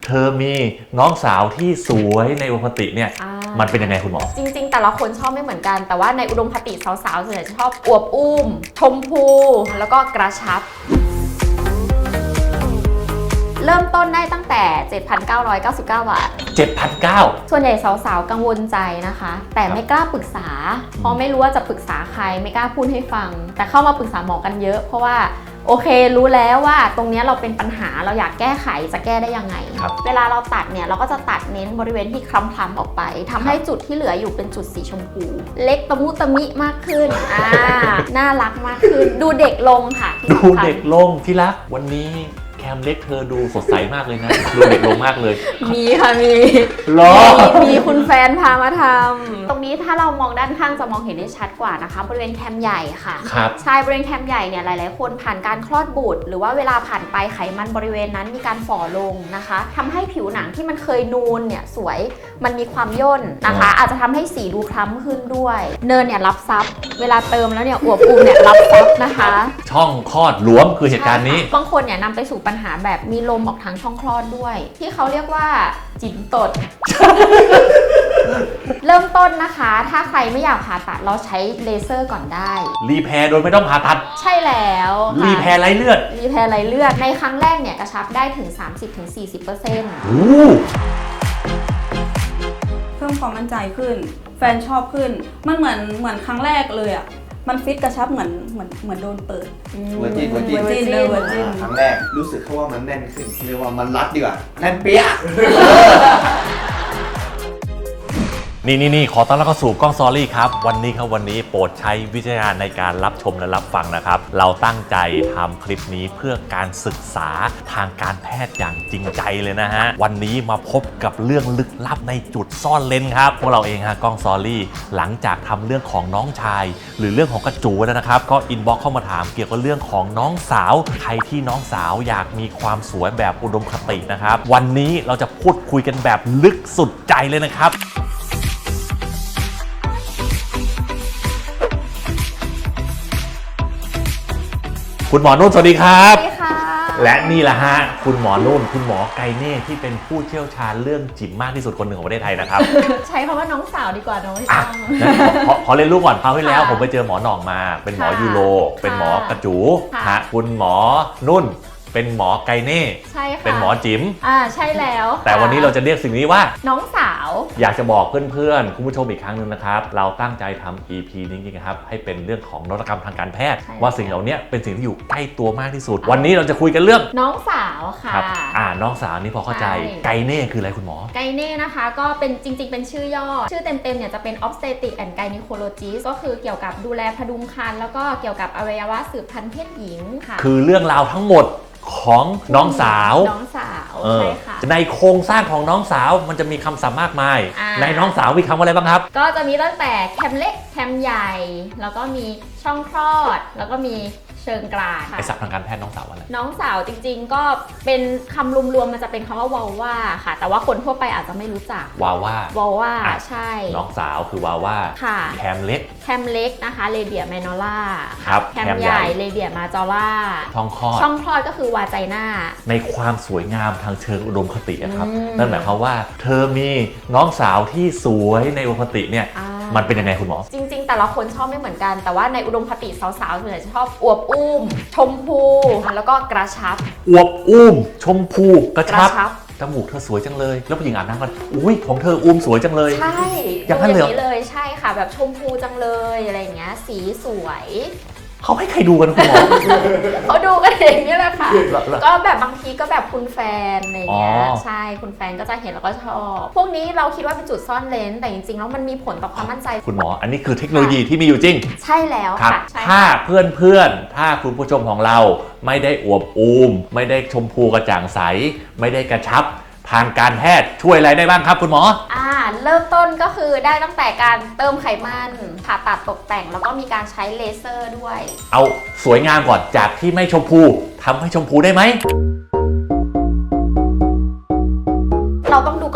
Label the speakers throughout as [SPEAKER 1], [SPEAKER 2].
[SPEAKER 1] เธอมีน้องสาวที่สวยในอุดมคติเนี่ยมันเป็นยังไงคุณหมอ
[SPEAKER 2] จริงๆแต่ละคนชอบไม่เหมือนกันแต่ว่าในอุดมคติสาวๆส่วนใหญ่จะชอบอวบอุ้มชมพูแล้วก็กระชับเริ่มต้นได้ตั้งแต่ 7,999 บาท
[SPEAKER 1] 7,900
[SPEAKER 2] ส่วนใหญ่สาวๆกังวลใจนะคะแต่ไม่กล้าปรึกษาเพราะไม่รู้ว่าจะปรึกษาใครไม่กล้าพูดให้ฟังแต่เข้ามาปรึกษาหมอกันเยอะเพราะว่าโอเครู้แล้วว่าตรงนี้เราเป็นปัญหาเราอยากแก้ไขจะแก้ได้ยังไงเวลาเราตัดเนี่ยเราก็จะตัดเน้นบริเวณที่คล้ำๆออกไปทำให้จุดที่เหลืออยู่เป็นจุดสีชมพูเล็กตะมุตะมิมากขึ้นน่ารักมากขึ้นดูเด็กลงค่ะ
[SPEAKER 1] ดูเด็กลงที่รักวันนี้แคมเล็กเธอดูสดใสมากเลยนะดูเด็กลงมากเลย
[SPEAKER 2] มีค่ะมีคุณแฟนพามาทำตรงนี้ถ้าเรามองด้านข้างจะมองเห็นได้ชัดกว่านะคะบริเวณแคมใหญ่ค่ะใช่บริเวณแคมใหญ่เนี่ยหลายๆคนผ่านการคลอดบุตรหรือว่าเวลาผ่านไปไขมันบริเวณนั้นมีการฝ่อลงนะคะทำให้ผิวหนังที่มันเคยนูนเนี่ยสวยมันมีความย่นนะคะอาจจะทำให้สีดูคล้ำขึ้นด้วยเนินเนี่ยรับซับเวลาเติมแล้วเนี่ยอวบอุ่มเนี่ยรับซับนะคะ
[SPEAKER 1] ช่องคลอดหลวมคือเหตุการณ์นี้
[SPEAKER 2] บางคนเนี่ยนำไปสู่ปัญหาแบบมีลมออกทางช่องคลอดด้วยที่เขาเรียกว่าจิ๋มตด เริ่มต้นนะคะถ้าใครไม่อยากผ่าตัดเราใช้เลเซอร์ก่อนได้
[SPEAKER 1] รีแพร์โดยไม่ต้องผ่าตัด
[SPEAKER 2] ใช่แล้ว
[SPEAKER 1] รีแพร์ไร้เลือด
[SPEAKER 2] ในครั้งแรกเนี่ยกระชับได้ถึง 30-40%
[SPEAKER 3] เพิ่มความมั่นใจขึ้นแฟนชอบขึ้นมันเหมือนครั้งแรกเลยอ่ะมันฟิตกระชับเหมือนโดนเปิด
[SPEAKER 4] เวอร์จินครั้งแรกรู้สึกว่ามันแน่นขึ้นเรียกว่ามันรัดดีกว่าแน่นเปี้ย
[SPEAKER 1] นี่ขอต้อนรับเข้าสู่กล้องซอรี่ครับวันนี้โปรดใช้วิจารณญาณในการรับชมและรับฟังนะครับเราตั้งใจทำคลิปนี้เพื่อการศึกษาทางการแพทย์อย่างจริงใจเลยนะฮะวันนี้มาพบกับเรื่องลึกลับในจุดซ่อนเลนครับพวกเราเองฮะกล้องซอรี่หลังจากทำเรื่องของน้องชายหรือเรื่องของกระจูแล้วนะครับก็อินบ็อกซ์เข้ามาถามเกี่ยวกับเรื่องของน้องสาวใครที่น้องสาวอยากมีความสวยแบบอุดมคตินะครับวันนี้เราจะพูดคุยกันแบบลึกสุดใจเลยนะครับคุณหมอนุ่นสวัสดีครับ
[SPEAKER 2] สวัสดีค่ะ
[SPEAKER 1] และนี่แหละฮะคุณหมอนุ่นคุณหมอไกเน่ที่เป็นผู้เชี่ยวชาญเรื่องจิ๋มมากที่สุดคนหนึ่งของประเทศไทยนะครับ
[SPEAKER 2] ใช้คำว่าน้องสาวดีกว่าน้องไม่
[SPEAKER 1] ขอเรียนรู้ก่อนคราวที่แล้วผมไปเจอหมอหน่องมาเป็นหมอยูโรเป็นหมอกระจูฮะคุณหมอนุ่นเป็นหมอไกเน่
[SPEAKER 2] ใช่ค่ะ
[SPEAKER 1] เป็นหมอจิ๋ม
[SPEAKER 2] ใช่แล้ว
[SPEAKER 1] แต่วันนี้เราจะเรียกสิ่งนี้ว่า
[SPEAKER 2] น้องสาว
[SPEAKER 1] อยากจะบอกเพื่อนๆคุณผู้ชมอีกครั้งนึงนะครับเราตั้งใจทำ EP นี้จริงๆครับให้เป็นเรื่องของนวัตกรรมทางการแพทย์ว่าสิ่งเหล่านี้เป็นสิ่งที่อยู่ใกล้ตัวมากที่สุดวันนี้เราจะคุยกันเรื่อง
[SPEAKER 2] น้องสาวค่ะ
[SPEAKER 1] น้องสาวนี่พอเข้าใจไกเน่คืออะไรคุณหมอ
[SPEAKER 2] ไกเน่นะคะก็เป็นจริงๆเป็นชื่อย่อชื่อเต็มๆเนี่ยจะเป็น Obstetric and Gynecologist ก็คือเกี่ยวกับดูแลพดุงครรภ์แล้วก็เกี่ยวกับอวัยวะสืบพันธุ์เพศหญิงค่ะ
[SPEAKER 1] คือเรื่องราวทั้งหมดของน้องสาว
[SPEAKER 2] ใช่ค่ะ
[SPEAKER 1] ในโครงสร้างของน้องสาวมันจะมีคำศัพท์มากมายในน้องสาวมีคำว่าอะไรบ้างครับ
[SPEAKER 2] ก็จะมีตั้งแต่แคมเล็กแคมใหญ่แล้วก็มีช่องคลอดแล้วก็มีเชิงกราน
[SPEAKER 1] ไอศัพท์ทางการแพทย์น้องสาวอะไร
[SPEAKER 2] น้องสาวจริงๆก็เป็นคำรวมๆมันจะเป็นคำว่าวาว่าค่ะแต่ว่าคนทั่วไปอาจจะไม่รู้จัก
[SPEAKER 1] วาว่า
[SPEAKER 2] ใช่
[SPEAKER 1] น้องสาวคือวาว่าแคมเล็
[SPEAKER 2] กนะคะเรเดียแมนอล่า
[SPEAKER 1] ครับ
[SPEAKER 2] แคมใหญ่เรเดียมาจอล่า
[SPEAKER 1] ช่อง
[SPEAKER 2] คลอดก็คือวาไจน่า
[SPEAKER 1] ในความสวยงามทางเชิงอุดมคตินะครับนั่นหมายความว่าเธอมีน้องสาวที่สวยในอุดมคติเนี่ยมันเป็นยังไงคุณหมอ
[SPEAKER 2] จริงๆแต่ละคนชอบไม่เหมือนกันแต่ว่าในอุดมคติสาวๆส่วนใหญ่จะชอบอวบอุ้มชมพูแล้วก็กระชับ
[SPEAKER 1] อวบอุ้มชมพูกระชับจมูกเธอสวยจังเลยแล้วผู้หญิงอาบน้ำกันอุ้ยผมเธออุ้มสวยจังเลย
[SPEAKER 2] ใช่
[SPEAKER 1] อย่างนั้น
[SPEAKER 2] เลยใช่ค่ะแบบชมพูจังเลยอะไรอย่างเงี้ยสีสวย
[SPEAKER 1] เขาให้ใครดูกันคุณหมอ
[SPEAKER 2] เขาดูกันเองนี่แหละค่ะก็แบบบางทีก็แบบคุณแฟนอะไรเงี้ยใช่คุณแฟนก็จะเห็นแล้วก็ชอบพวกนี้เราคิดว่าเป็นจุดซ่อนเลนแต่จริงๆแล้วมันมีผลต่อความมั่นใจ
[SPEAKER 1] คุณหมออันนี้คือเทคโนโลยีที่มีอยู่จริง
[SPEAKER 2] ใช่แล้วค่ะ
[SPEAKER 1] ถ้าเพื่อนถ้าคุณผู้ชมของเราไม่ได้อวบอุ้มไม่ได้ชมพูกระจ่างใสไม่ได้กระชับทางการแพทย์ช่วยอะไรได้บ้างครับคุณหมอ
[SPEAKER 2] เริ่มต้นก็คือได้ตั้งแต่การเติมไขมันผ่าตัดตกแต่งแล้วก็มีการใช้เลเซอร์ด้วย
[SPEAKER 1] เอาสวยงามก่อนจากที่ไม่ชมพูทำให้ชมพูได้ไหม
[SPEAKER 2] เราต้องดูก่อน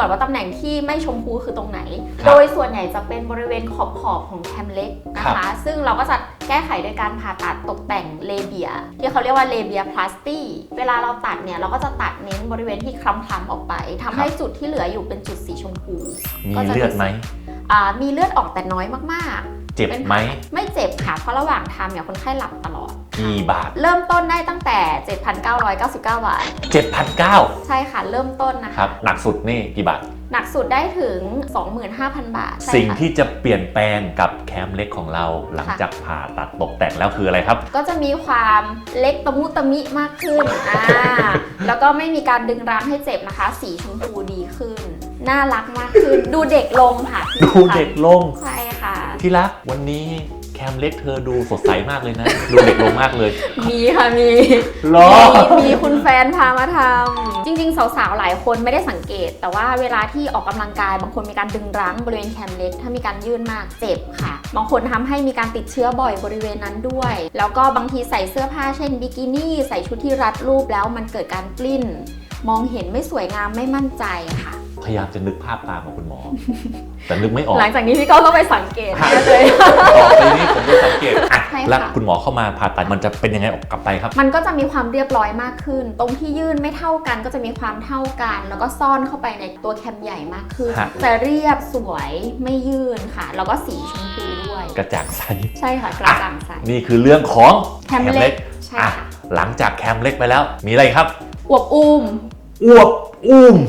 [SPEAKER 2] อนว่าตำแหน่งที่ไม่ชมพูคือตรงไหน
[SPEAKER 1] ครับ
[SPEAKER 2] โดยส่วนใหญ่จะเป็นบริเวณขอบของแคมเล็กนะคะ ซึ่งเราก็จะแก้ไขโดยการผ่าตัดตกแต่งเลเบียที่เขาเรียกว่าเลเบียพลาสตีเวลาเราตัดเนี่ยเราก็จะตัดเน้นบริเวณที่คล้ำๆออกไปทำให้จุดที่เหลืออยู่เป็นจุดสีชมพู
[SPEAKER 1] มีเลือดไหม
[SPEAKER 2] มีเลือดออกแต่น้อยมากๆ
[SPEAKER 1] เจ็บไหม
[SPEAKER 2] ไม่เจ็บค่ะเพราะระหว่างทำเนี่ยคนไข้หลับตลอด
[SPEAKER 1] กี่บาท
[SPEAKER 2] เริ่มต้นได้ตั้งแต่ 7,999 บาท
[SPEAKER 1] 7,900
[SPEAKER 2] ใช่ค่ะเริ่มต้นนะคะ
[SPEAKER 1] ครับหนักสุดนี่กี่บาท
[SPEAKER 2] หนักสุดได้ถึง 25,000 บาทใช่ค่ะ
[SPEAKER 1] สิ่งที่จะเปลี่ยนแปลงกับแคมเล็กของเราหลังจากผ่าตัดตกแต่งแล้วคืออะไรครับ
[SPEAKER 2] ก็จะมีความเล็กตะมุตะมิมากขึ้นแล้วก็ไม่มีการดึงรั้งให้เจ็บนะคะ สีชมพูดีขึ้น น่ารักมากขึ้น ดูเด็กลงค่ะ
[SPEAKER 1] ดูเด็กลง
[SPEAKER 2] ใช่ค่ะ
[SPEAKER 1] ที่รักวันนี้แคมเล็กเธอดูสดใสมากเลยนะ ดูเด็กลงมากเลย
[SPEAKER 2] มีค่ะมี
[SPEAKER 1] หรอ
[SPEAKER 2] มีคุณแฟนพามาทำจริงๆสาวๆหลายคนไม่ได้สังเกต แต่ว่าเวลาที่ออกกำลังกายบางคนมีการดึงรั้งบริเวณแคมเล็กถ้ามีการยื่นมากเจ็บค่ะบางคนทำให้มีการติดเชื้อบ่อยบริเวณนั้นด้วย แล้วก็บางทีใส่เสื้อผ้าเช่นบิกินี่ใส่ชุดที่รัดรูปแล้วมันเกิดการปลิ้นมองเห็นไม่สวยงามไม่มั่นใจค่ะ
[SPEAKER 1] พยายามจะนึกภาพตามของคุณหมอ แต่นึกไม่ออก
[SPEAKER 2] หลังจากนี้พี่ก็ไปสังเกตเลย
[SPEAKER 1] ต่อไปนี้ผมจะสังเกตอ่ะ
[SPEAKER 2] ใช่ค่ะ
[SPEAKER 1] แล้วคุณหมอเข้ามาผ่าตัดมันจะเป็นยังไงออกกลับไปครับ
[SPEAKER 2] มันก็จะมีความเรียบร้อยมากขึ้น ตรงที่ยื่นไม่เท่ากันก็จะมีความเท่ากัน แล้วก็ซ่อนเข้าไปในตัวแคมใหญ่มากขึ้น
[SPEAKER 1] ฮะ
[SPEAKER 2] จะเรียบสวยไม่ยื่นค่ะ แล้วก็สีชมพูด้วย
[SPEAKER 1] กระจ่างใส
[SPEAKER 2] ใช่ค่ะกระจ่างใส
[SPEAKER 1] นี่คือเรื่องของ
[SPEAKER 2] แคมเล็กใช่
[SPEAKER 1] อ่ะ
[SPEAKER 2] ค่ะ
[SPEAKER 1] หลังจากแคมเล็กไปแล้ว มีอะไรครับ
[SPEAKER 2] อวบอุ้ม
[SPEAKER 1] อวบอุ้ม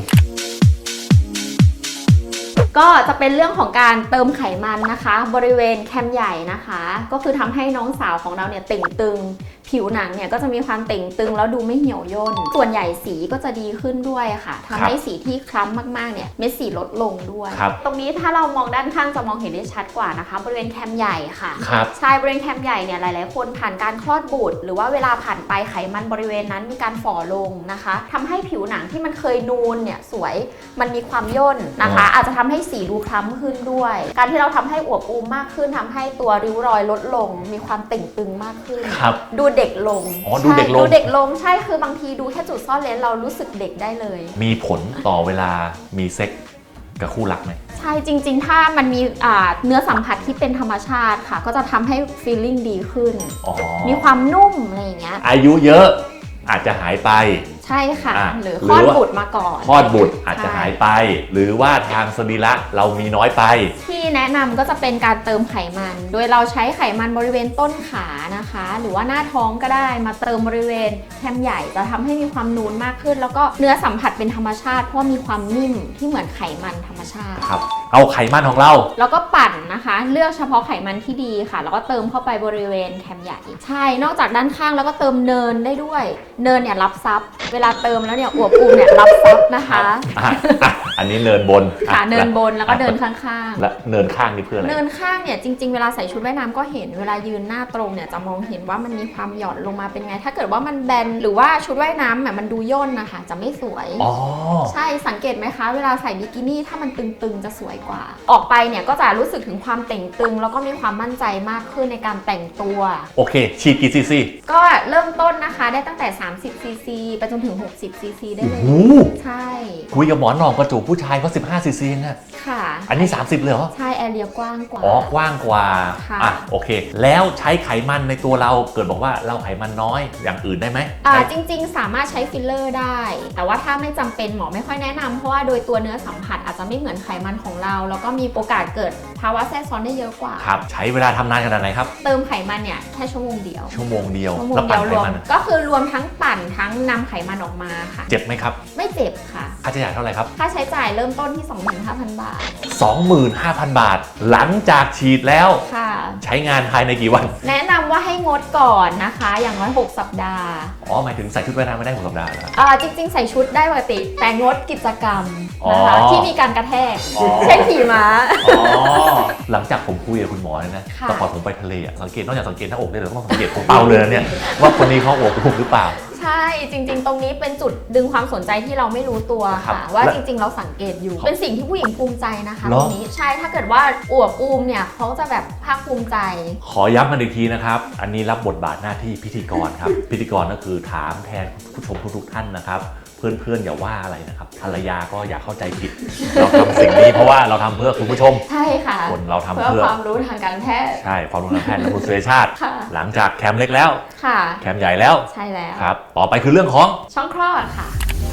[SPEAKER 2] ก็จะเป็นเรื่องของการเติมไขมันนะคะ บริเวณแคมใหญ่นะคะ ก็คือทำให้น้องสาวของเราเนี่ยเต่งตึง ผิวหนังเนี่ยก็จะมีความเต่งตึงแล้วดูไม่เหี่ยวย่นส่วนใหญ่สีก็จะดีขึ้นด้วยค่ะทำให้สีที่คล้ำมากๆเนี่ยเม็ดสีลดลงด้วย
[SPEAKER 1] ครับ
[SPEAKER 2] ตรงนี้ถ้าเรามองด้านข้างจะมองเห็นได้ชัดกว่านะคะบริเวณแคมใหญ่ค่ะ
[SPEAKER 1] ครับ
[SPEAKER 2] ใช่บริเวณแคมใหญ่เนี่ยหลายๆคนผ่านการคลอดบุตรหรือว่าเวลาผ่านไปไขมันบริเวณนั้นมีการฝ่อลงนะคะทำให้ผิวหนังที่มันเคยนูนเนี่ยสวยมันมีความย่นนะคะ อาจจะทำให้สีดูคล้ำขึ้นด้วย การที่เราทำให้อวบอุ้มมากขึ้นทำให้ตัวริ้วรอยลดลง มีความเต่งตึงมากขึ้น
[SPEAKER 1] ครับ
[SPEAKER 2] ดูเด็กลง
[SPEAKER 1] อ๋อดูเด็กลง
[SPEAKER 2] ใช่ดูเด็กลงใช่คือบางทีดูแค่จุดซ่อนเลนเรารู้สึกเด็กได้เลย
[SPEAKER 1] มีผลต่อเวลามีเซ็กกับคู่รักไหม
[SPEAKER 2] ใช่จริงๆ ถ้ามันมีเนื้อสัมผัสที่เป็นธรรมชาติค่ะ ก็จะทำให้ feeling ดีขึ้น
[SPEAKER 1] อ๋อ
[SPEAKER 2] มีความนุ่มอะไรอย่างเงี้ย
[SPEAKER 1] อายุเยอะอาจจะหายไป
[SPEAKER 2] ใช่ค่ะ
[SPEAKER 1] อ่ะ
[SPEAKER 2] หรือ
[SPEAKER 1] หรือ
[SPEAKER 2] คลอด
[SPEAKER 1] ว่า
[SPEAKER 2] บุตรมาก่อน
[SPEAKER 1] คลอดบุตรอาจจะ
[SPEAKER 2] ใช่
[SPEAKER 1] หายไป หรือว่าทางสรีระเรามีน้อยไป
[SPEAKER 2] ที่แนะนำก็จะเป็นการเติมไขมัน โดยเราใช้ไขมันบริเวณต้นขานะคะ หรือว่าหน้าท้องก็ได้มาเติมบริเวณแคมใหญ่จะทำให้มีความนูนมากขึ้น แล้วก็เนื้อสัมผัสเป็นธรรมชาติเพราะว่ามีความนิ่มที่เหมือนไขมันธรรมชาติ
[SPEAKER 1] ครับ เอาไขมันของเรา
[SPEAKER 2] แล้วก็ปั่นนะคะ เลือกเฉพาะไขมันที่ดีค่ะ แล้วก็เติมเข้าไปบริเวณแคมใหญ่ใช่นอกจากด้านข้างแล้วก็เติมเนินได้ด้วย เนินเนี่ยรับซับเวลาเติมแล้วเนี่ยอวบอุ้มเนี่ยรับซับนะคะ
[SPEAKER 1] อันนี้เนินบน
[SPEAKER 2] ค่ะ
[SPEAKER 1] อ่ะ
[SPEAKER 2] เนินบนแล้วก็เดินข้างๆ
[SPEAKER 1] และเนินข้างนี่เพื่ออะไร
[SPEAKER 2] เนินข้างเนี่ยจริงๆเวลาใส่ชุดว่ายน้ำก็เห็นเวลายืนหน้าตรงเนี่ยจะมองเห็นว่ามันมีความหย่อนลงมาเป็นไง ถ้าเกิดว่ามันแบนหรือว่าชุดว่ายน้ำแบบมันดูย่นนะคะจะไม่สวย
[SPEAKER 1] อ๋อ
[SPEAKER 2] ใช่สังเกตไหมคะ เวลาใส่บิกินี่ถ้ามันตึงๆจะสวยกว่า ออกไปเนี่ยก็จะรู้สึกถึงความเต่งตึง แล้วก็มีความมั่นใจมากขึ้นในการแต่งตัว
[SPEAKER 1] โอเค ฉีดกี่ซีซี
[SPEAKER 2] ก็เริ่มต้นนะคะได้ตั้งแต่30ซีซีไปจนถึง60ซีซีได้
[SPEAKER 1] โอ้
[SPEAKER 2] เลย
[SPEAKER 1] โห
[SPEAKER 2] ใช่
[SPEAKER 1] คุยกับหมอหนองกระจูกผู้ชายเขา15ซีซีนะ
[SPEAKER 2] ค่ะ
[SPEAKER 1] อันนี้ 30เลยเหรอ
[SPEAKER 2] ใช่แอเรียกว้างกว่า
[SPEAKER 1] อ๋อกว้างกว่า
[SPEAKER 2] ค่ะ
[SPEAKER 1] อ่ะโอเค แล้วใช้ไขมันในตัวเราเกิดบอกว่าเราไขมันน้อยอย่างอื่นได้ไหม
[SPEAKER 2] จริงๆ สามารถใช้ฟิลเลอร์ได้ แต่ว่าถ้าไม่จำเป็นหมอไม่ค่อยแนะนำเพราะว่าโดยตัวเนื้อสัมผัสอาจจะไม่เหมือนไขมันของเรา แล้วก็มีโอกาสเกิดภาวะแทรกซ้อนได้เยอะกว่า
[SPEAKER 1] ครับ ใช้เวลาทำนานขนาดไหนครับ
[SPEAKER 2] เติมไขมันเนี่ยแค่ชั่วโมงเดียว
[SPEAKER 1] ชั่วโมงเดียว
[SPEAKER 2] ชั่วโมง
[SPEAKER 1] แล้ว
[SPEAKER 2] เดี
[SPEAKER 1] ปั่น
[SPEAKER 2] ยว
[SPEAKER 1] ไข
[SPEAKER 2] รวม
[SPEAKER 1] มัน
[SPEAKER 2] ก็คือรวมทั้งปั่นทั้งนำไขมันออกมาค่ะ
[SPEAKER 1] เจ็บไหมครับ
[SPEAKER 2] ไม่เจ็บค่ะ
[SPEAKER 1] ค่าใช้จ่ายเท่าไหร่ครับ
[SPEAKER 2] ค่าใช้จ่ายเริ่มต้นที่ 25,000 บาท
[SPEAKER 1] 25,000 บาท หลังจากฉีดแล้ว
[SPEAKER 2] ค่ะ
[SPEAKER 1] ใช้งานภายในกี่วัน
[SPEAKER 2] แนะนำว่าให้งดก่อนนะคะ อย่างน้อย6สัปดาห์
[SPEAKER 1] อ๋อหมายถึงใส่ชุดว่ายน้ำไม่ได้6สัปดาห์เหรอ
[SPEAKER 2] จริงๆ ใส่ชุดได้ปกติ แต่งดกิจกรรม
[SPEAKER 1] อ๋อ
[SPEAKER 2] นะคะที่มีการกระแทก
[SPEAKER 1] อ๋อ
[SPEAKER 2] เช่นขี่ม้า
[SPEAKER 1] อ๋อ หลังจากผมคุยกับคุณหมอเนี่ยนะ
[SPEAKER 2] ค่ะ
[SPEAKER 1] แต่ก่อนผมไปทะเลอะสังเกตนอกจากสังเกตหน้าอกได้เลยต้องสังเกตผมเป่าเลยนะเนี่ยว่าคนนี้เขาอวบอุ้มหรือเปล่า
[SPEAKER 2] ใช่จริงๆ ตรงนี้เป็นจุดดึงความสนใจที่เราไม่รู้ตัว
[SPEAKER 1] ครับ
[SPEAKER 2] ค่ะ ว่า
[SPEAKER 1] และ
[SPEAKER 2] จริงๆ เราสังเกตอยู่ เป็นสิ่งที่ผู้หญิงภูมิใจนะคะ
[SPEAKER 1] เหร
[SPEAKER 2] ต
[SPEAKER 1] อ
[SPEAKER 2] รงนี้ใช่ถ้าเกิดว่าอวบอุ้มเนี่ยเขาจะแบบภาคภูมิใจ
[SPEAKER 1] ขอย้ำกันอีกทีนะครับ อันนี้รับบทบาทหน้าที่พิธีกรครับ พิธีกรก็คือถามแทนผู้ชมทุกๆท่านนะครับ เเพื่อนๆอย่าว่าอะไรนะครับภรรยาก็อย่าเข้าใจผิด เราทำสิ่งนี้เพราะว่าเราทำเพื่อคุณผู้ชม
[SPEAKER 2] ใช่ค่ะ
[SPEAKER 1] คนเราทำ
[SPEAKER 2] เพื่อ
[SPEAKER 1] เพื่อ
[SPEAKER 2] ความรู้ทางการแพทย์
[SPEAKER 1] ใช่ความรู้ทางแพทย์และคุณสุรชาติ
[SPEAKER 2] ค่ะ
[SPEAKER 1] หลังจากแคมเล็กแล้ว
[SPEAKER 2] ค่ะ
[SPEAKER 1] แคมใหญ่แล้ว
[SPEAKER 2] ใช่แล้ว
[SPEAKER 1] ครับต่อไปคือเรื่องของ
[SPEAKER 2] ช่องคลอดค่ะ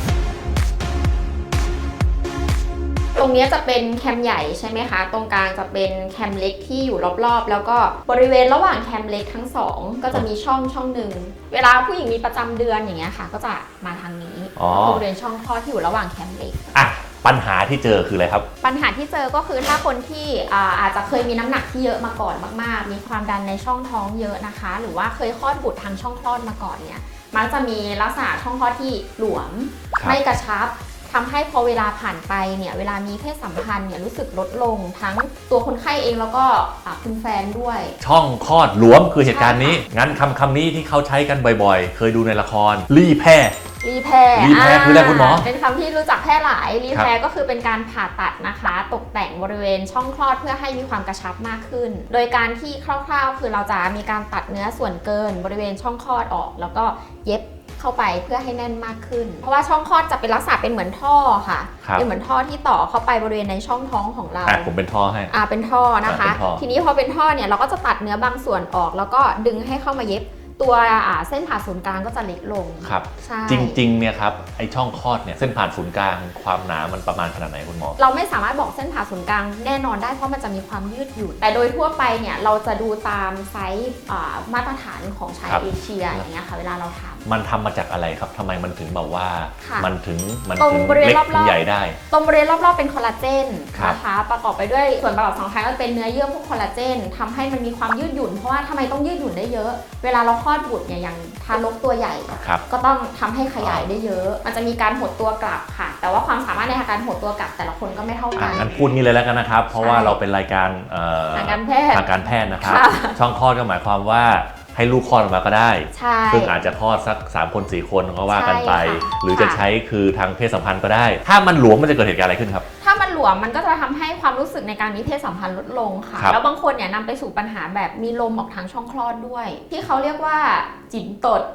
[SPEAKER 2] ตรงนี้จะเป็นแคมใหญ่ใช่ไหมคะ ตรงกลางจะเป็นแคมเล็กที่อยู่รอบๆ แล้วก็บริเวณระหว่างแคมเล็กทั้งสองก็จะมีช่องหนึ่ง เวลาผู้หญิงมีประจำเดือนอย่างเงี้ยค่ะ ก็จะมาทางนี้บริเวณช่องคลอดที่อยู่ระหว่างแคมเล็ก
[SPEAKER 1] อ่ะปัญหาที่เจอคืออะไรครับ
[SPEAKER 2] ปัญหาที่เจอก็คือถ้าคนที่อาจจะเคยมีน้ำหนักที่เยอะมาก่อนมากๆ มีความดันในช่องท้องเยอะนะคะ หรือว่าเคยคลอดบุตรทางช่องคลอดมาก่อนเนี่ย มักจะมีลักษณะช่องคลอดที่หลวม
[SPEAKER 1] ครับ
[SPEAKER 2] ไม่กระชับทำให้พอเวลาผ่านไปเนี่ยเวลามีเพศสัมพันธ์เนี่ยรู้สึกลดลงทั้งตัวคนไข้เองแล้วก็คุณแฟนด้วย
[SPEAKER 1] ช่องคลอดหลวมคือเหตุการณ์นี้ งั้นคำนี้ที่เขาใช้กันบ่อยๆ เคยดูในละครรี่แพร่
[SPEAKER 2] รีแพร์
[SPEAKER 1] รีแพร์คืออะไรคุณหมอ
[SPEAKER 2] เป็นคำที่รู้จักแพร่หลายรีแพร์ก็คือเป็นการผ่าตัดนะคะ ตกแต่งบริเวณช่องคลอดเพื่อให้มีความกระชับมากขึ้น โดยการที่คร่าวๆคือเราจะมีการตัดเนื้อส่วนเกินบริเวณช่องคลอดออก แล้วก็เย็บเข้าไปเพื่อให้แน่นมากขึ้น เพราะว่าช่องคลอดจะเป็นลักษณะเป็นเหมือนท่อค่ะ
[SPEAKER 1] ครับ
[SPEAKER 2] เป็นเหมือนท่อที่ต่อเข้าไปบริเวณในช่องท้องของเรา
[SPEAKER 1] ผมเป็นท่อให้
[SPEAKER 2] เป็นท่อนะคะ
[SPEAKER 1] เป็นท่อ
[SPEAKER 2] ทีนี้พอเป็นท่อเนี่ยเราก็จะตัดเนื้อบางส่วนออก แล้วก็ดึงให้เข้ามาเย็บตัวเส้นผ่าศูนย์กลางก็จะเล็กลง
[SPEAKER 1] ครับ
[SPEAKER 2] ใช่
[SPEAKER 1] จริงๆเนี่ยครับไอช่องคลอดเนี่ยเส้นผ่านศูนย์กลางความหนามันประมาณขนาดไหนคุณหมอ
[SPEAKER 2] เราไม่สามารถบอกเส้นผ่าศูนย์กลางแน่นอนได้เพราะมันจะมีความยืดหยุ่นแต่โดยทั่วไปเนี่ยเราจะดูตามไซส์มาตรฐานของชาย
[SPEAKER 1] ครับ
[SPEAKER 2] เอเชียอย่างเงี้ยค่ะเวลาเราทำ
[SPEAKER 1] มันทำมาจากอะไรครับทำไมมันถึงแบบว่า
[SPEAKER 2] ค่ะ
[SPEAKER 1] มันถึง
[SPEAKER 2] ตรงบริเวณ
[SPEAKER 1] เล็ก
[SPEAKER 2] รอบๆ
[SPEAKER 1] ถึงใหญ่ได้
[SPEAKER 2] ตรงบริเวณรอบๆเป็นคอลลาเจน
[SPEAKER 1] ครับ
[SPEAKER 2] นะคะประกอบไปด้วยส่วนประกอบสำคัญก็เป็นเนื้อเยื่อพวกคอลลาเจนทำให้มันมีความยืดหยุ่นเพราะว่าทำไมต้องยืดหยุ่นได้เยอะ เวลาเราคลอดบุตรเนี่ยอย่างทารกตัวใหญ่
[SPEAKER 1] ครับ
[SPEAKER 2] ก็ต้องทำให้ขยายได้เยอะ มันจะมีการหดตัวกลับค่ะ แต่ว่าความสามารถในการหดตัวกลับแต่ละคนก็ไม่เท่ากัน
[SPEAKER 1] งั้นพูดงี้เลยแล้วกันนะครับ เพราะว่าเราเป็นรายการ
[SPEAKER 2] ทางการแพทย์
[SPEAKER 1] ทางการแพทย์นะครับ
[SPEAKER 2] ค่ะ
[SPEAKER 1] ช่องคลอดก็หมายความว่าให้ลูกคลอดออกมาก็ได้
[SPEAKER 2] ใช่
[SPEAKER 1] ซึ่งอาจจะคลอดสัก3คน4คนก็ว่ากันไป
[SPEAKER 2] ใช่ค่ะ
[SPEAKER 1] หรือจะใช้คือทางเพศสัมพันธ์ก็ได้ ถ้ามันหลวมมันจะเกิดเหตุการณ์อะไรขึ้นครับ
[SPEAKER 2] ถ้ามันหลวมมันก็จะทำให้ความรู้สึกในการมีเพศสัมพันธ์ลดลงค่ะ
[SPEAKER 1] ครับ
[SPEAKER 2] แล้วบางคนเนี่ยนำไปสู่ปัญหาแบบมีลมออกทางช่องคลอดด้วย ที่เขาเรียกว่าจิ๋มตด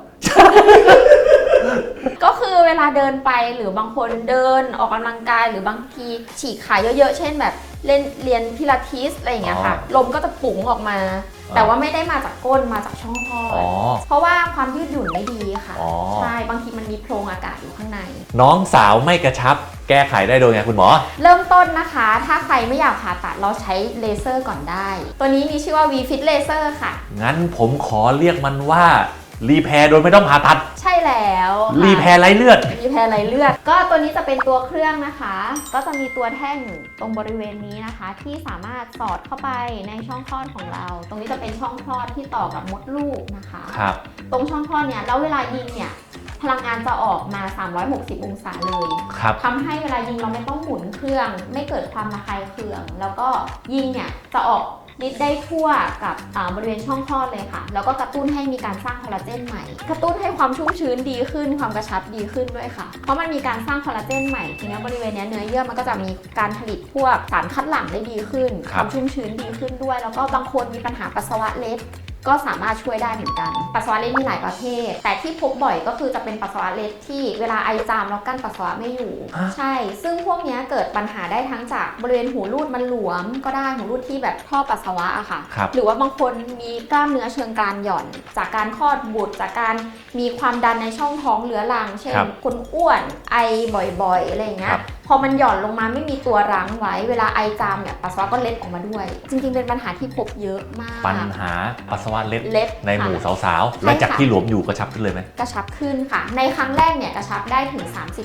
[SPEAKER 2] ก็คือเวลาเดินไปหรือบางคนเดินออกกำลังกายหรือบางทีฉีกขาเยอะๆ เช่นแบบเรียนพิลาทิสอะไรอย่างเงี้ยค่ะ ลมก็จะปุ๋งออกมา แต่ว่าไม่ได้มาจากก้นมาจากช่องคลอด เพราะว่าความยืดหยุ่นไม่ดีค่ะ ใช่ บางทีมันมีโพรงอากาศอยู่ข้างใน
[SPEAKER 1] น้องสาวไม่กระชับแก้ไขได้โดยไงคุณหมอ
[SPEAKER 2] เริ่มต้นนะคะ ถ้าใครไม่อยากผ่าตัดเราใช้เลเซอร์ก่อนได้ ตัวนี้มีชื่อว่า V-Fit Laser ค่ะ
[SPEAKER 1] งั้นผมขอเรียกมันว่ารีแพร์โดยไม่ต้องผ่าตัด
[SPEAKER 2] ใช่แล้วค่ะ
[SPEAKER 1] รีแพร์ไร้เลือด
[SPEAKER 2] รีแพร์ไหลเลือด ก็ตัวนี้จะเป็นตัวเครื่องนะคะ ก็จะมีตัวแท่งตรงบริเวณนี้นะคะ ที่สามารถสอดเข้าไปในช่องคลอดของเรา ตรงนี้จะเป็นช่องคลอดที่ต่อกับมดลูกนะคะ
[SPEAKER 1] ครับ
[SPEAKER 2] ตรงช่องคลอดเนี่ยแล้วเวลายิงเนี่ยพลังงานจะออกมา 360 องศาเลย
[SPEAKER 1] ครับ
[SPEAKER 2] ทำให้เวลายิงเราไม่ต้องหมุนเครื่อง ไม่เกิดความระคายเคือง แล้วก็ยิงเนี่ยจะออกฤทธิ์ได้ทั่วกับบริเวณช่องคลอดเลยค่ะ แล้วก็กระตุ้นให้มีการสร้างคอลลาเจนใหม่ กระตุ้นให้ความชุ่มชื้นดีขึ้น ความกระชับดีขึ้นด้วยค่ะ เพราะมันมีการสร้างคอลลาเจนใหม่ ทีนี้บริเวณเนี้ยเนื้อเยื่อมันก็จะมีการผลิตพวกสารคัดหลั่งได้ดีขึ้น
[SPEAKER 1] ค
[SPEAKER 2] ครับ วามชุ่มชื้นดีขึ้นด้วย แล้วก็บางคนมีปัญหาปัสสาวะเล็ด ก็สามารถช่วยได้เหมือนกัน ปัสสาวะเล็ดมีหลายประเภท แต่ที่พบบ่อยก็คือจะเป็นปัสสาวะเล็ดที่เวลาไอจามแล้วกั้นปัสสาวะไม่อยู่ ใช่ ซึ่งพวกนี้เกิดปัญหาได้ทั้งจากบริเวณหูรูดมันหลวมก็ได้หูรูดที่แบบท่อปัสสาวะอะค่ะ
[SPEAKER 1] ครับ
[SPEAKER 2] หรือว่าบางคนมีกล้ามเนื้อเชิงกรานหย่อน จากการคลอดบุตรจากการมีความดันในช่องท้องเรื้อรัง เช่น
[SPEAKER 1] ครับ
[SPEAKER 2] คนอ้วนไอบ่อยๆอะไรอย่างเงี้
[SPEAKER 1] ค
[SPEAKER 2] ย
[SPEAKER 1] รับ
[SPEAKER 2] พอมันหย่อนลงมาไม่มีตัวรั้งไว้ เวลาไอจามเนี่ยปัสสาวะก็เล็ดออกมาด้วย จริงๆเป็นปัญหาที่พบเยอะมาก
[SPEAKER 1] ปัญหาปัสสาวะเล็ด
[SPEAKER 2] เล็ด
[SPEAKER 1] ในหมู่
[SPEAKER 2] ค่ะ
[SPEAKER 1] สาวๆ และจากที่หลวมอยู่กระชับขึ้นเลยไหม
[SPEAKER 2] กระชับขึ้นค่ะ ในครั้งแรกเนี่ยกระชับได้ถึง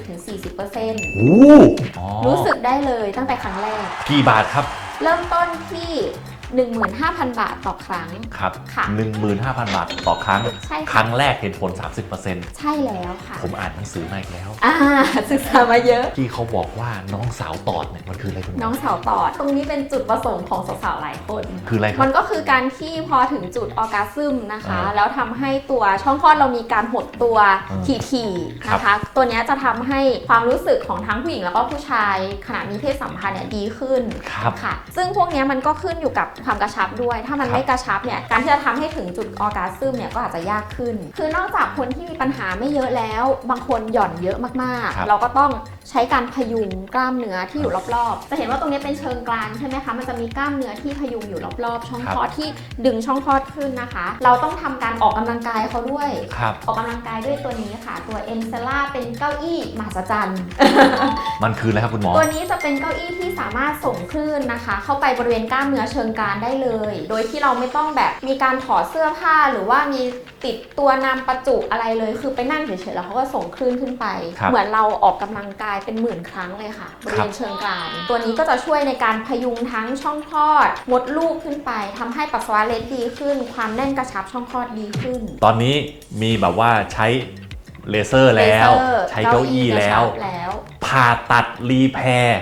[SPEAKER 2] 30-40%
[SPEAKER 1] โอ้อ๋อ
[SPEAKER 2] รู้สึกได้เลยตั้งแต่ครั้งแรก
[SPEAKER 1] กี่บาทครับ
[SPEAKER 2] เริ่มต้นที่ 15,000 บาทต่อครั้ง
[SPEAKER 1] ครับ
[SPEAKER 2] ค่ะ
[SPEAKER 1] 15,000 บาทต่อครั้ง
[SPEAKER 2] ใช่
[SPEAKER 1] ค
[SPEAKER 2] ค่ะ
[SPEAKER 1] รั้งแรกเห็นผล 30%
[SPEAKER 2] ใช่แล้วค่ะ
[SPEAKER 1] ผมอ่านหนังสือมาอีกแล้ว
[SPEAKER 2] ศึกษามาเยอะ
[SPEAKER 1] ที่เขาบอกว่าน้องสาวตอดเนี่ยมันคืออะไรคุณหม
[SPEAKER 2] น้องสาวตอด ตรงนี้เป็นจุดประสงค์ของสาวๆหลายคน
[SPEAKER 1] คืออะไรครั
[SPEAKER 2] มั
[SPEAKER 1] บ
[SPEAKER 2] นก็คือการที่พอถึงจุดออร์กาซึมนะคะ
[SPEAKER 1] อ่า
[SPEAKER 2] แล้วทำให้ตัวช่องคลอดเรามีการหดตัว
[SPEAKER 1] อืม
[SPEAKER 2] ถี่ๆนะคะ ตัวเนี้ยจะทำให้ความรู้สึกของทั้งผู้หญิงแล้วก็ผู้ชายขณะมีเพศสัมพันธ์เนี่ยดีขึ้น
[SPEAKER 1] ครับ
[SPEAKER 2] ค่ะ ซึ่งพวกเนี้ยมันก็ขึ้นอยู่กับความกระชับด้วยถ้ามันไม่กระชับเนี่ยการที่จะทำให้ถึงจุดออร์กาซึมเนี่ยก็อาจจะยากขึ้นคือนอกจากคนที่มีปัญหาไม่เยอะแล้วบางคนหย่อนเยอะมากๆเราก็ต้องใช้การพยุงกล้ามเนื้อที่อยู่รอบๆจะเห็นว่าตรงนี้เป็นเชิงกรานใช่ไหมคะมันจะมีกล้ามเนื้อที่พยุงอยู่รอบๆช่องคลอดที่ดึงช่องคลอดขึ้นนะคะเราต้องทำการออกกำลังกายเขาด้วยออกกำลังกายด้วยตัวนี้ค่ะตัวเอ็นเซล่าเป็นเก้าอี้มหัศจรรย์
[SPEAKER 1] มันคืออะไรครับคุณหมอ
[SPEAKER 2] ตัวนี้จะเป็นเก้าอี้ที่สามารถส่งคลื่นนะคะเข้าไปบริเวณกล้ามเนื้อเชิงกรานได้เลยโดยที่เราไม่ต้องแบบมีการถอดเสื้อผ้าหรือว่ามีติดตัวนำประจุอะไรเลยคือไปนั่งเฉยๆแล้วเขาก็ส่งคลื่นขึ้นไปเหมือนเราออกกำลังกายเป็นหมื่นครั้งเลยค่ะบริเวณเชิงกรานตัวนี้ก็จะช่วยในการพยุงทั้งช่องคลอดมดลูกขึ้นไปทำให้ปัสสาวะเล็ดดีขึ้นความแน่นกระชับช่องคลอดดีขึ้น
[SPEAKER 1] ตอนนี้มีแบบว่าใช้เลเซอร์แล้วใช้เก้าอี้แล้วผ่าตัดรีแพร์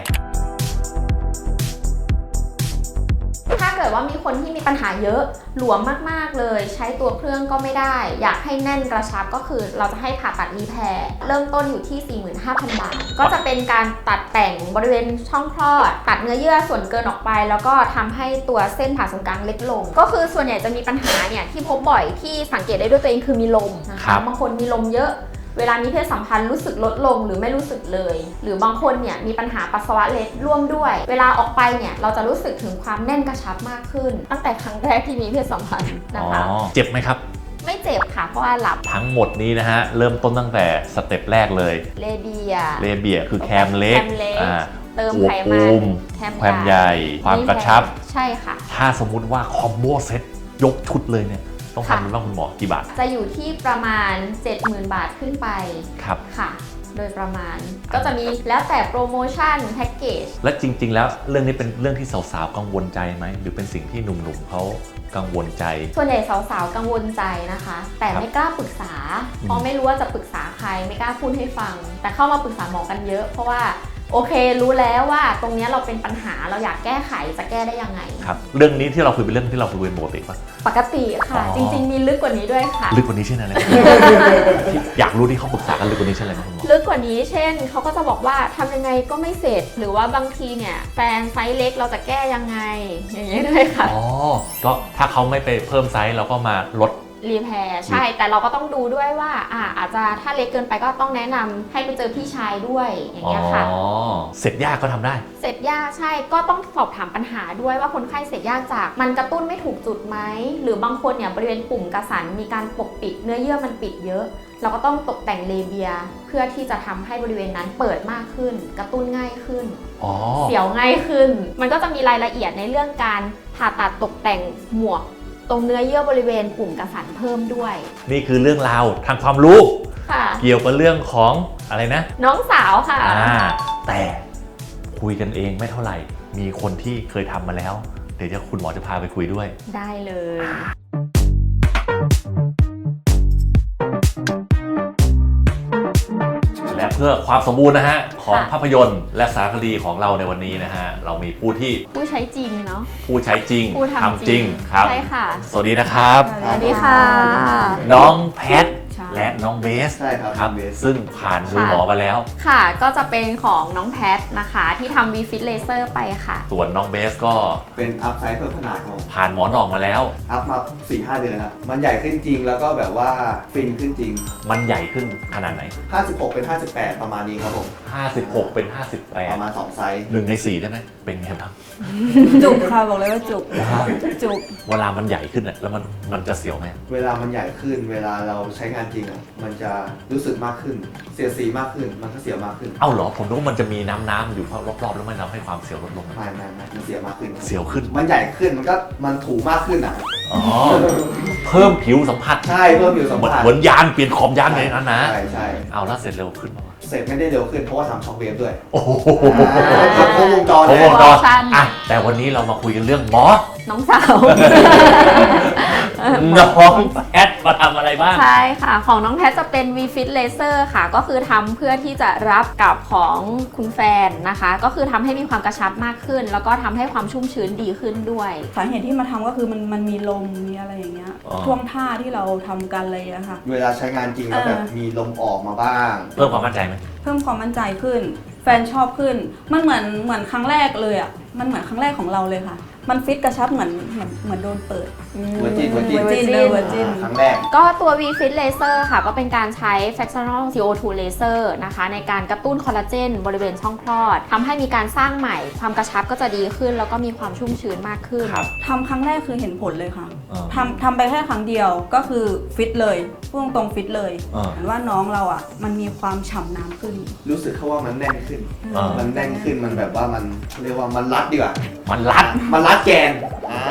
[SPEAKER 2] ถ้าเกิดว่ามีคนที่มีปัญหาเยอะหลวมมากๆเลยใช้ตัวเครื่องก็ไม่ได้อยากให้แน่นกระชับก็คือเราจะให้ผ่าตัดรีแพร์เริ่มต้นอยู่ที่ 45,000 บาทก็จะเป็นการตัดแต่งบริเวณช่องคลอดตัดเนื้อเยื่อส่วนเกินออกไปแล้วก็ทำให้ตัวเส้นผ่าศูนย์กลางเล็กลงก็คือส่วนใหญ่จะมีปัญหาเนี่ยที่พบบ่อยที่สังเกตได้ด้วยตัวเองคือมีลมนะคะบางคนมีลมเยอะเวลามีเพศสัมพันธ์รู้สึกลดลงหรือไม่รู้สึกเลยหรือบางคนเนี่ยมีปัญหาปัสสาวะเล็ดร่วมด้วยเวลาออกไปเนี่ยเราจะรู้สึกถึงความแน่นกระชับมากขึ้นตั้งแต่ครั้งแรกที่มีเพศสัมพันธ์นะคะ
[SPEAKER 1] เจ็บไหมครับ
[SPEAKER 2] ไม่เจ็บค่ะเพราะว่าหลับ
[SPEAKER 1] ทั้งหมดนี้นะฮะเริ่มต้นตั้งแต่สเต็ปแรกเลย
[SPEAKER 2] เลเบีย
[SPEAKER 1] คือแคมเล็ก
[SPEAKER 2] เติมไขมัน
[SPEAKER 1] แคมใหญ่ความกระชับ
[SPEAKER 2] ใช่ค่ะ
[SPEAKER 1] ถ้าสมมุติว่าคอมโบเซ็ตยกชุดเลยเนี่ยต้องทำเป็นบ้างคุณหมอกี่บาท
[SPEAKER 2] จะอยู่ที่ประมาณ 70,000 บาทขึ้นไป
[SPEAKER 1] ครับ
[SPEAKER 2] ค่ะโดยประมาณก็จะมีแล้วแต่โปรโมชั่นแพ็กเกจ
[SPEAKER 1] และจริงๆแล้วเรื่องนี้เป็นเรื่องที่สาวๆกังวลใจไหมหรือเป็นสิ่งที่หนุ่มๆเขากังวลใจ
[SPEAKER 2] ส่วนใหญ่สาวๆกังวลใจนะคะแต่ไม่กล้าปรึกษาเพราะไม่รู้ว่าจะปรึกษาใครไม่กล้าพูดให้ฟังแต่เข้ามาปรึกษาหมอกันเยอะเพราะว่าโอเครู้แล้วว่าตรงนี้เราเป็นปัญหาเราอยากแก้ไขจะแก้ได้ยังไง
[SPEAKER 1] ครับเรื่องนี้ที่เราคุยเป็นเรื่องที่เราคุยเป็นปกติปะ
[SPEAKER 2] ปกติค่ะจริงๆมีลึกกว่านี้ด้วยค่ะ
[SPEAKER 1] ลึกกว่านี้เช่นอะไร อยากรู้ที่เขาปรึกษากันลึกกว่านี้เช่นอะไรคุณหมอ
[SPEAKER 2] ลึกกว่านี้เช่นเขาก็จะบอกว่าทำยังไงก็ไม่เสร็จหรือว่าบางทีเนี่ยแฟนไซส์เล็กเราจะแก้ยังไงอย่างเงี้ยด้วยค่ะ
[SPEAKER 1] ก็ถ้าเขาไม่ไปเพิ่มไซส์เราก็มาลด
[SPEAKER 2] รีแพร์ใช่แต่เราก็ต้องดูด้วยว่าอาจจะถ้าเล็กเกินไปก็ต้องแนะนำให้ไปเจอพี่ชายด้วยอย่างเงี้ยค่ะ
[SPEAKER 1] เสร็จยากก็ทำได้
[SPEAKER 2] เสร็จยากใช่ก็ต้องสอบถามปัญหาด้วยว่าคนไข้เสร็จยากจากมันกระตุ้นไม่ถูกจุดไหมหรือบางคนเนี่ยบริเวณปุ่มกระสันมีการปกปิดเนื้อเยื่อมันปิดเยอะเราก็ต้องตกแต่งเลเบียเพื่อที่จะทำให้บริเวณนั้นเปิดมากขึ้นกระตุ้นง่ายขึ้นเสียวง่ายขึ้นมันก็จะมีรายละเอียดในเรื่องการผ่าตัดตกแต่งหมวกตรงเนื้อเยื่อบริเวณปุ่มกระสันเพิ่มด้วย
[SPEAKER 1] นี่คือเรื่องราวทางความรู้เกี่ยวกับเรื่องของอะไรนะ
[SPEAKER 2] น้องสาวค่ะ
[SPEAKER 1] แต่คุยกันเองไม่เท่าไหร่มีคนที่เคยทำมาแล้วเดี๋ยวคุณหมอจะพาไปคุยด้วย
[SPEAKER 2] ได้เลย
[SPEAKER 1] และเพื่อความสมบูรณ์นะฮะของภาพยนตร์และสารคดีของเราในวันนี้นะฮะเรามีผู้
[SPEAKER 2] ใช้จริงเนาะ
[SPEAKER 1] ผู้ใช้จริงทำจริง
[SPEAKER 2] ครับใช่ค่ะ
[SPEAKER 1] สวัสดีนะครับ
[SPEAKER 2] สวัสดีค่ะ
[SPEAKER 1] น้องแพทและน้องเบสครับซึ่งผ่านมือหมอมาแล้ว
[SPEAKER 2] ค่ะก็จะเป็นของน้องแพทนะคะที่ทำ V-Fit Laser ไปค่ะ
[SPEAKER 1] ส่วนน้องเบสก็
[SPEAKER 4] เป็นอัพไซส์เพิ่มขนาดของ
[SPEAKER 1] ผ่านหมอนออกมาแล้ว
[SPEAKER 4] อัพมา 4-5 เดือนครับมันใหญ่ขึ้นจริงแล้วก็แบบว่าฟินขึ้นจริง
[SPEAKER 1] มันใหญ่ขึ้นขนาดไหน
[SPEAKER 4] 56เป็น58ประมาณนี้ครับผม
[SPEAKER 1] 56เป็น58
[SPEAKER 4] ประมาณ2ไซส์
[SPEAKER 1] 1 ใน 4ได้ไหมเป็นไงบ้าง
[SPEAKER 3] จุกค่ะบอกเลยว่าจุก
[SPEAKER 1] เวลามันใหญ่ขึ้นแล้วมันจะเสียวไหม
[SPEAKER 4] เวลามันใหญ่ขึ้นเวลาเราใช้งานจริงมันจะรู้สึกมากขึ้นเสียสีมากขึ้นมันก็เสียวมากขึ้น
[SPEAKER 1] เอ้าเหรอผมนึกว่ามันจะมีน้ำอยู่รอบๆแล้วมันทำให้ความเสียวลดลง
[SPEAKER 4] ไม่มันเสียวมากขึ้น
[SPEAKER 1] เสียวขึ้น
[SPEAKER 4] มันใหญ่ขึ้นมันถูมากขึ้น
[SPEAKER 1] เพิ่มผิวสัมผัส
[SPEAKER 4] ใช่เพิ่มผิวสัมผัส
[SPEAKER 1] เหมือนยานเปลี่ยนขอบยานเลยนั้นนะ
[SPEAKER 4] ใช่
[SPEAKER 1] เอาแล้วเสร็จเร็วขึ้น
[SPEAKER 4] เสร็จไม่ได้เร็วขึ้นเพราะว่าทำช็อคเวฟด้วย
[SPEAKER 1] โอ้โห
[SPEAKER 4] ครบวงจร
[SPEAKER 1] แต่วันนี้เรามาคุยกันเรื่องหมอ
[SPEAKER 2] น้องสาว
[SPEAKER 1] น้องแพทมาทำอะไรบ้าง
[SPEAKER 2] ใช่ค่ะของน้องแพทจะเป็น V-Fit Laser ค่ะก็คือทำเพื่อที่จะรับกับของคุณแฟนนะคะก็คือทำให้มีความกระชับมากขึ้นแล้วก็ทำให้ความชุ่มชื้นดีขึ้นด้วย
[SPEAKER 3] สาเหตุที่มาทำก็คือมันมีลมมีอะไรอย่างเงี้ยท่วงท่าที่เราทำกันเลยอะค่ะ
[SPEAKER 4] เวลาใช้งานจริงแล้วแบบมีลมออกมาบ้าง
[SPEAKER 1] เพิ่มความมั่นใจไหม
[SPEAKER 3] เพิ่มความมั่นใจขึ้นแฟนชอบขึ้นมันเหมือนครั้งแรกเลยอะมันเหมือนครั้งแรกของเราเลยค่ะมันฟิตกระชับเหมือนโดนเปิด
[SPEAKER 4] เวอร์จิน
[SPEAKER 3] Virgin เวอร์จิน
[SPEAKER 4] ครั้งแรก
[SPEAKER 2] ก็ตัว V-Fit Laser ค่ะ ก็เป็นการใช้ fractional CO2 laser นะคะ ในการกระตุ้นคอลลาเจนบริเวณช่องคลอดทำให้มีการสร้างใหม่ความกระชับก็จะดีขึ้น แล้วก็มีความชุ่มชื้นมากขึ้น
[SPEAKER 1] ครับ
[SPEAKER 3] ทำครั้งแรกคือเห็นผลเลยค่ะ
[SPEAKER 1] อ่า
[SPEAKER 3] ทำไปแค่ครั้งเดียวก็คือฟิตเลยพูดตรงๆฟิตเลย
[SPEAKER 1] อ่า
[SPEAKER 3] เห็นว่าน้องเราอ่ะมันมีความฉ่ำน้ำขึ้น
[SPEAKER 4] รู้สึกเขาว่ามันแน่นขึ้น
[SPEAKER 1] อ่ามั
[SPEAKER 4] มันแน่นขึ้น มันแบบว่ามันเรียกว่ามันรัดดีกว่า
[SPEAKER 1] มันรัด
[SPEAKER 4] มันรัดแกน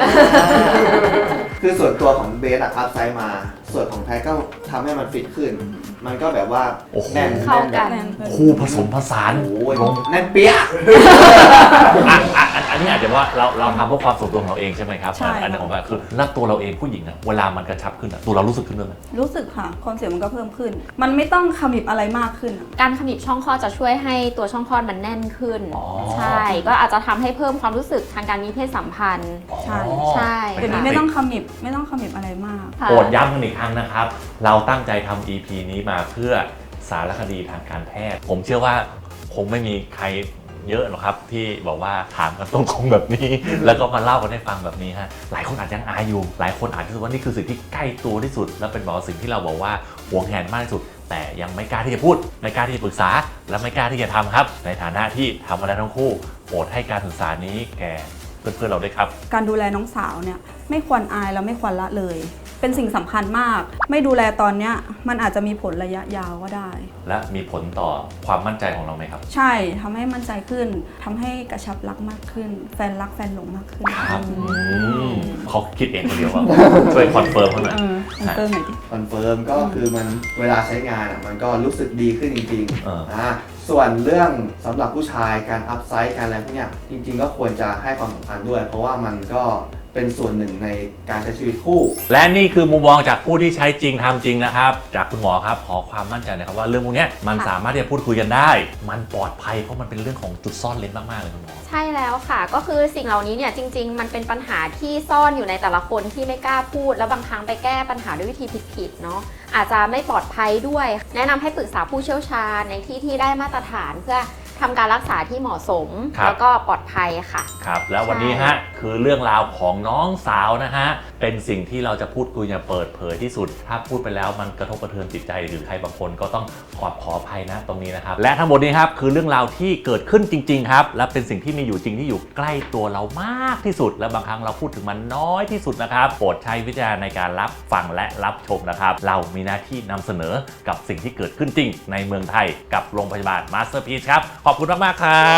[SPEAKER 4] คือส่วนตัวของเบสอะอัพไซด์มา ส่วนของแพทก็ทำให้มันฟิตขึ้น มันก็แบบว่า
[SPEAKER 1] โอ้โห
[SPEAKER 4] แน่น
[SPEAKER 2] เข้ากัน
[SPEAKER 1] คู่ผสมผสาน
[SPEAKER 4] โอ้ย
[SPEAKER 1] ลง
[SPEAKER 4] แน่นเปี้ยะ
[SPEAKER 1] อันนี้อาจจะว่าเราทำเพื่อความส่วนตัวของเราเองใช่ไหมครับ
[SPEAKER 3] ใช่
[SPEAKER 1] อันนี้ของแบบคือแล้วตัวเราเองผู้หญิงอะเวลามันกระชับขึ้นอะตัวเรารู้สึกขึ้นด้วยไหม
[SPEAKER 3] รู้สึกค่ะความเสียวมันก็เพิ่มขึ้น มันไม่ต้องขมิบอะไรมากขึ้นอะ
[SPEAKER 2] การขมิบช่องคลอดจะช่วยให้ตัวช่องคลอดมันแน่นขึ้น
[SPEAKER 1] อ๋อ
[SPEAKER 2] ใช่ ก็อาจจะทำให้เพิ่มความรู้สึกทางการมีเพศสัมพันธ์
[SPEAKER 3] ใช่
[SPEAKER 2] ใช่
[SPEAKER 3] เดี๋ยวนี้ไม่ต้องขมิบอะไรมาก
[SPEAKER 2] ค่ะ
[SPEAKER 1] โปรดย้ำกันอีกครั้งนะครับ เราตั้งใจทำ EP นี้มาเพื่อสารคดีทางการแพทย์ ผมเชื่อว่าคงไม่มีใครเยอะหรอกครับที่บอกว่าถามกันตรงๆแบบนี้ แล้วก็มาเล่ากันให้ฟังแบบนี้ฮะหลายคนอาจจะยังอายอยู่ หลายคนอาจจะรู้สึกว่านี่คือสิ่งที่ใกล้ตัวที่สุด และเป็นบอกว่าสิ่งที่เราบอกว่าหวงแหนมากที่สุด แต่ยังไม่กล้าที่จะพูดไม่กล้าที่จะปรึกษา และไม่กล้าที่จะทำครับ ในฐานะที่ทำมาแล้วทั้งคู่โปรดให้การศึกษานี้แก่เพื่อนๆเราด้วยครับ
[SPEAKER 3] การดูแลน้องสาวเนี่ยไม่ควรอายแล้วไม่ควรละเลย เป็นสิ่งสำคัญมาก ไม่ดูแลตอนเนี้ยมันอาจจะมีผลระยะยาวก็ได้
[SPEAKER 1] และมีผลต่อความมั่นใจของเราไหมครับ
[SPEAKER 3] ใช่ทำให้มั่นใจขึ้นทำให้กระชับรักมากขึ้น แฟนรักแฟนหลงมากขึ้น
[SPEAKER 1] ครับเขาคิดเองคนเดียวว่า ช่วยคอนเฟิร์มเขาหน่อย
[SPEAKER 3] เติมหน่อยดิ
[SPEAKER 4] คอนเฟิร์มก็คือมันเวลาใช้งานอะมันก็รู้สึกดีขึ้นจริง
[SPEAKER 1] เออ
[SPEAKER 4] ส่วนเรื่องสำหรับผู้ชายการอัพไซด์การอะไรพวกเนี้ยจริง ๆ ก็ควรจะให้ความสำคัญด้วย เพราะว่ามันก็เป็นส่วนหนึ่งในการใช้ชีวิตคู่
[SPEAKER 1] และนี่คือมุมมองจากผู้ที่ใช้จริงทำจริงนะครับ จากคุณหมอครับขอความมั่นใจหนะครับว่าเรื่องพวกเนี้ยมันสามารถที่จะพูดคุยกันได้ มันปลอดภัยเพราะมันเป็นเรื่องของจุดซ่อนเลนมากๆเลยคุณหมอ
[SPEAKER 2] ใช่แล้วค่ะ ก็คือสิ่งเหล่านี้เนี่ยจริง ๆ มันเป็นปัญหาที่ซ่อนอยู่ในแต่ละคนที่ไม่กล้าพูด แล้วบางครั้งไปแก้ปัญหาด้วยวิธีผิดๆเนาะอาจจะไม่ปลอดภัยด้วย แนะนำให้ปรึกษาผู้เชี่ยวชาญในที่ที่ได้มาตรฐานเพื่อทำการรักษาที่เหมาะสม
[SPEAKER 1] ครับ
[SPEAKER 2] แล้วก็ปลอดภัยค่ะ
[SPEAKER 1] ครับแล้ววันนี้ฮะคือเรื่องราวของน้องสาวนะฮะเป็นสิ่งที่เราจะพูดคุยอย่างเปิดเผยที่สุด ถ้าพูดไปแล้วมันกระทบกระเทือนจิตใจหรือใครบางคนก็ต้องขออภัยนะตรงนี้นะครับและทั้งหมดนี้ครับคือเรื่องราวที่เกิดขึ้นจริงๆครับและเป็นสิ่งที่มีอยู่จริงที่อยู่ใกล้ตัวเรามากที่สุด และบางครั้งเราพูดถึงมันน้อยที่สุดนะครับโปรดใช้วิจารณ์ในการรับฟังและรับชมนะครับเรามีหน้าที่นำเสนอกับสิ่งที่เกิดขึ้นจริงในเมืองไทยกับโรงพยาบาลมาสเตอร์พีซครับขอบคุณมากๆครับ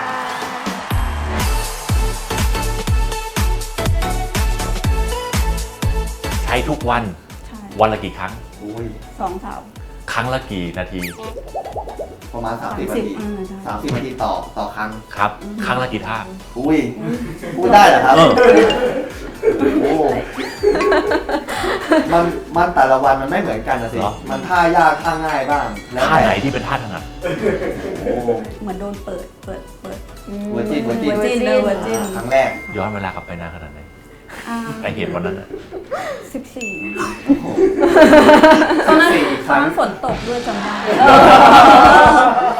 [SPEAKER 1] ใช้ทุกวัน
[SPEAKER 3] ใช่
[SPEAKER 1] วันละกี่ครั้ง
[SPEAKER 4] อุ้ย
[SPEAKER 3] 2-3
[SPEAKER 1] ครั้งละกี่นาที
[SPEAKER 4] ประมาณ30 นาที
[SPEAKER 3] ใช่
[SPEAKER 4] 30 นาทีต่อครั้ง
[SPEAKER 1] ครับ ครั้งละกี่ท่า
[SPEAKER 4] อุ้ยพูดได้เหรอครับ
[SPEAKER 1] เออ
[SPEAKER 4] โอ้มันแต่ละวันมันไม่เหมือนกันนะสิ
[SPEAKER 1] เหรอ
[SPEAKER 4] มันท่ายากท่าง่ายบ้าง แล้ว
[SPEAKER 1] ท่า
[SPEAKER 4] แต่
[SPEAKER 1] ไหนที่เป็นท่าถนัด
[SPEAKER 4] โอ้
[SPEAKER 3] เหมือนโดนเปิด
[SPEAKER 4] เวอร์จิน
[SPEAKER 3] Virgin เลย Virgin
[SPEAKER 4] ครั้งแรก
[SPEAKER 1] ย้อนเวลากลับไปนานขนาดไหน
[SPEAKER 3] อ่า
[SPEAKER 1] ไอเหตุวันนั้นน่ะ
[SPEAKER 3] 14
[SPEAKER 4] โอ้โห
[SPEAKER 3] ตอนนั้น
[SPEAKER 4] 14
[SPEAKER 3] ตอนนั้นฝนตกด้วยจำได้